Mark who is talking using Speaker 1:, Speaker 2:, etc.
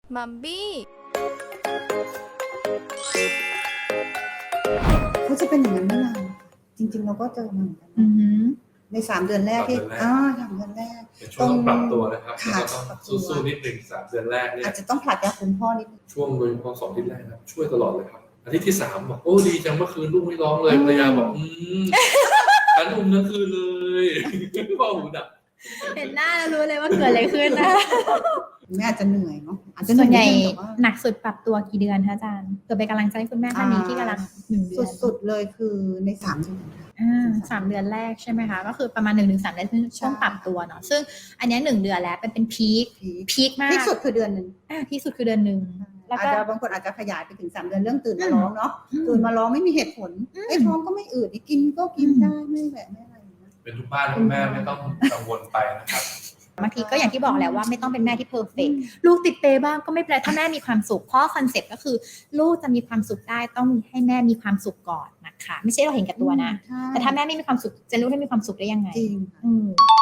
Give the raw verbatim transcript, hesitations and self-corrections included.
Speaker 1: มัมบี้
Speaker 2: เขาจะเป็นอย่างนั้นไม่นานจริงๆเราก็เจอมาเหมือนกัน
Speaker 3: อือหือ
Speaker 2: ในสามเดือนแรกที่
Speaker 4: สามเดือนแรก
Speaker 2: อ่าสามเดือนแรก
Speaker 4: เป็นช่วงต้องปรับตัวนะครับ
Speaker 2: ค่ะ
Speaker 4: แล้วก็ต้องสู้ๆนิดหนึ่งสามเดือนแรกเนี่ย
Speaker 2: อาจจะต้องผลัดยาคุณพ่อนิดนึง
Speaker 4: ช่วงโดยเฉพาะสองอาทิตย์แรกนะช่วยตลอดเลยครับอาทิตย์ที่สามบอกโอ้ดีจังเมื่อคืนลูกไม่ร้องเลย
Speaker 2: อืม
Speaker 4: ภรรยาบอกอืมฉันอุ้มทั้งคืนเลยพ่อหูดับ
Speaker 3: เห็นหน้าแล้วรู้เลยว่าเกิดอะไรขึ้นนะ
Speaker 2: แม่อาจจะเหนื่อยเนาะอาจจะ
Speaker 3: ส่วนใหญ่
Speaker 2: เอยแต่ว่า
Speaker 3: หนักสุดปรับตัวกี่เดือนคะอาจารย์เกิดเป็นกำลังใจให้คุณแม่ท่านนี้ที่กำลังหนึ่งเดือน
Speaker 2: สุดๆเลยคือในสามเดือนค่ะ
Speaker 3: อ่าสามเดือนแรกใช่ไหมคะก็คือประมาณหนึ่งถึงสามเดือนคือช่วงปรับตัวเนาะซึ่งอันเนี้ยหนึ่งเดือนแล้วเป็นเป็นพีค
Speaker 2: พีค
Speaker 3: พีคมาก
Speaker 2: พีคสุดคือเดือนหนึ่ง
Speaker 3: อ่าที่สุดคือเดือนหนึ่งแล้ว
Speaker 2: อาจ
Speaker 3: ก็
Speaker 2: จะบางคนอาจจะขยายไปถึงสามเดือนเรื่องตื่นมาร้องเนาะ
Speaker 3: อืม
Speaker 2: ตื่นมาร้องไม่มีเหตุผล
Speaker 3: อืม
Speaker 2: ไอ้ท้องก็ไม่อืดกินก็กิน
Speaker 3: อืม
Speaker 2: ได้ไม่แบบไม่อะไรอย่างเงี้ย
Speaker 4: เป็นทุกบ้านคุณแม่ไม่ต้องกังวลไปนะครับ
Speaker 3: บางทีก็อย่างที่บอกแล้วว่าไม่ต้องเป็นแม่ที่เพอร์เฟกต์ลูกติดเปบ้างก็ไม่เป็นไรถ้าแม่มีความสุขเพราะคอนเซ็ปต์ก็คือลูกจะมีความสุขได้ต้องให้แม่มีความสุขก่อนนะคะไม่ใช่เราเห็นแก่ตัวนะ
Speaker 2: ใช่
Speaker 3: แต่ถ้าแม่ไม่มีความสุขจะลูกให้มีความสุขได้ยังไง
Speaker 2: จริงค่ะ
Speaker 3: อืม